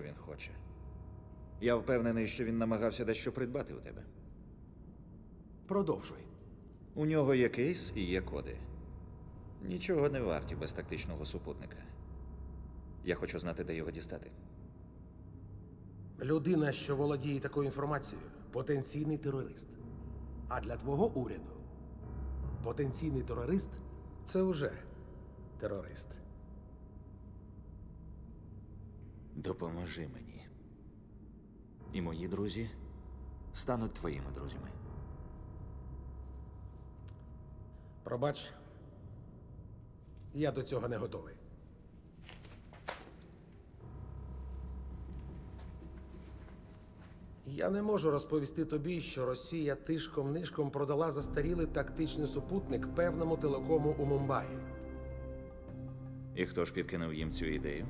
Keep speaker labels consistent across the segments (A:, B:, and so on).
A: він хоче. Я впевнений, що він намагався дещо придбати у тебе.
B: Продовжуй.
A: У нього є кейс і є коди. Нічого не варті без тактичного супутника. Я хочу знати, де його дістати.
B: Людина, що володіє такою інформацією, потенційний терорист. А для твого уряду потенційний терорист – це вже терорист.
A: Допоможи мені. І мої друзі стануть твоїми друзями.
B: Пробач, я до цього не готовий. Я не можу розповісти тобі, що Росія тишком-нишком продала застарілий тактичний супутник певному телекому у Мумбаї.
A: І хто ж підкинув їм цю ідею?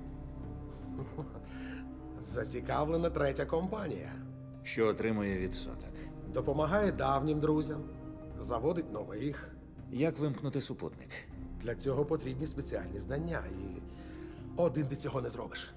B: Зацікавлена третя компанія.
A: Що отримує відсоток?
B: Допомагає давнім друзям, заводить нових.
A: Як вимкнути супутник?
B: Для цього потрібні спеціальні знання, і один ти цього не зробиш.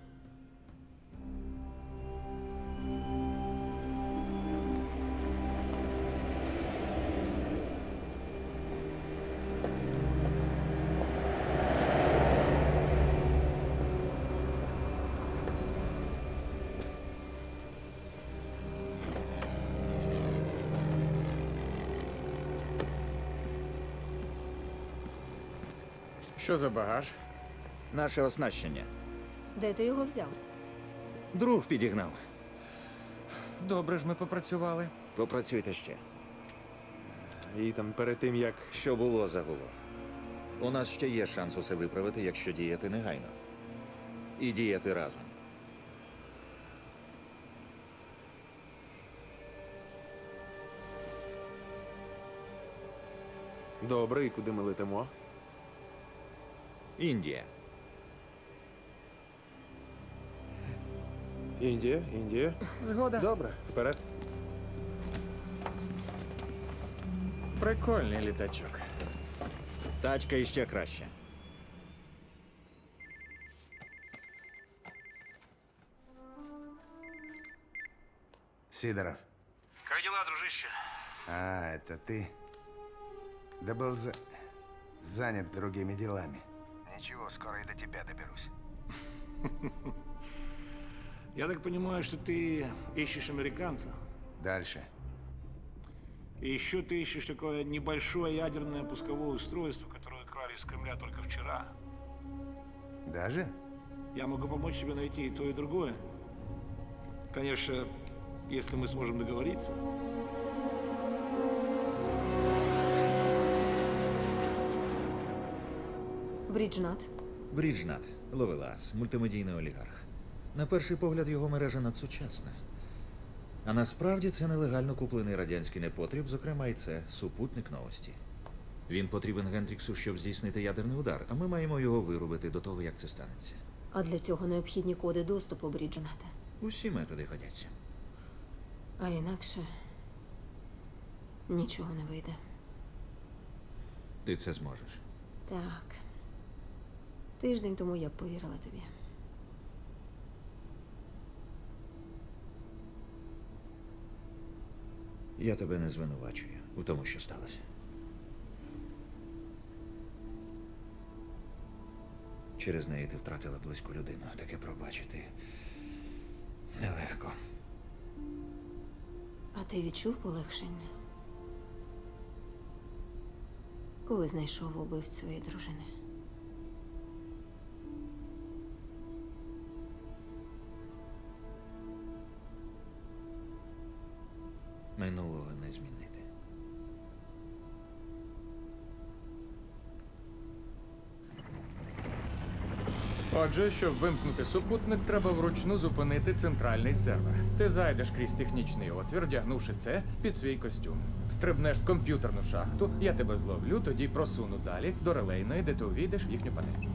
C: Що за багаж?
A: Наше оснащення.
D: Де ти його взяв?
A: Друг підігнав.
C: Добре ж ми попрацювали.
A: Попрацюйте ще.
E: Ітан, перед тим як.
A: Що було, загуло. У нас ще є шанс усе виправити, якщо діяти негайно. І діяти разом.
E: Добре, і куди ми летимо?
A: Індія.
E: Індія, Індія.
C: Згода.
E: Добре, вперед.
C: Прикольний літачок.
A: Тачка іще краще.
F: Сидоров.
G: Как дела, дружище?
F: А, это ты? Да был занят другими делами. Ничего, скоро и до тебя доберусь.
G: Я так понимаю, что ты ищешь американца.
F: Дальше.
G: И еще ты ищешь такое небольшое ядерное пусковое устройство, которое украли из Кремля только вчера.
F: Даже?
G: Я могу помочь тебе найти и то, и другое. Конечно, если мы сможем договориться.
D: Бріджнат.
A: Бріджнат. Ловелас. Мультимедійний олігарх. На перший погляд його мережа надсучасна. А насправді це нелегально куплений радянський непотріб, зокрема і це супутник новості. Він потрібен Гендріксу, щоб здійснити ядерний удар, а ми маємо його вирубити до того, як це станеться.
D: А для цього необхідні коди доступу Бріджната.
A: Усі методи годяться.
D: А інакше нічого не вийде.
A: Ти це зможеш.
D: Так. Тиждень тому я б повірила тобі.
A: Я тебе не звинувачую у тому, що сталося. Через неї ти втратила близьку людину. Таке пробачити нелегко.
D: А ти відчув полегшення? Коли знайшов убивць своєї дружини?
A: Минулого не змінити.
C: Отже, щоб вимкнути супутник, треба вручну зупинити центральний сервер. Ти зайдеш крізь технічний отвір, вдягнувши це під свій костюм. Стрибнеш в комп'ютерну шахту, я тебе зловлю, тоді просуну далі до релейної, де ти увійдеш в їхню панель.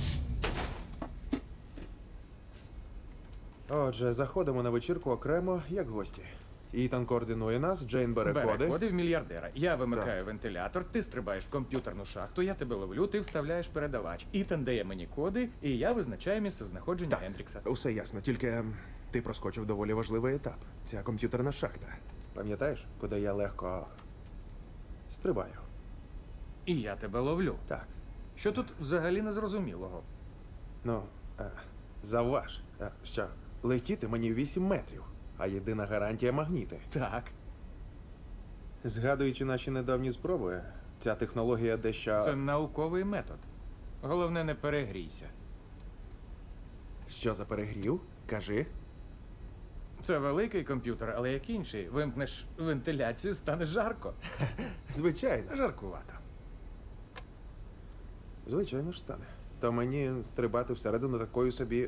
E: Отже, заходимо на вечірку окремо, як гості. Ітан координує нас, Джейн бере коди.
C: Коди в мільярдера. Я вимикаю вентилятор, ти стрибаєш в комп'ютерну шахту, я тебе ловлю, ти вставляєш передавач. Ітан дає мені коди, і я визначаю місце знаходження Гендрікса.
E: Усе ясно, тільки Ти проскочив доволі важливий етап. Ця комп'ютерна шахта. Пам'ятаєш, куди я легко стрибаю?
C: І я тебе ловлю.
E: Так.
C: Що тут взагалі незрозумілого?
E: Ну, завваж. Що, летіти мені 8 метрів, а єдина гарантія магніти.
C: Так.
E: Згадуючи наші недавні спроби, ця технологія дещо.
C: Це науковий метод. Головне, не перегрійся.
E: Що за перегрів? Кажи.
C: Це великий комп'ютер, але як інший. Вимкнеш вентиляцію, стане жарко.
E: Звичайно.
C: Жаркувато.
E: Звичайно ж стане. То мені стрибати всередину такої собі.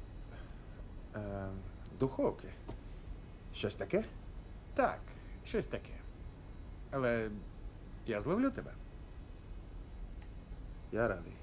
E: Духовки. Щось таке?
C: Так, щось таке. Але я зловлю тебе.
E: Я радий.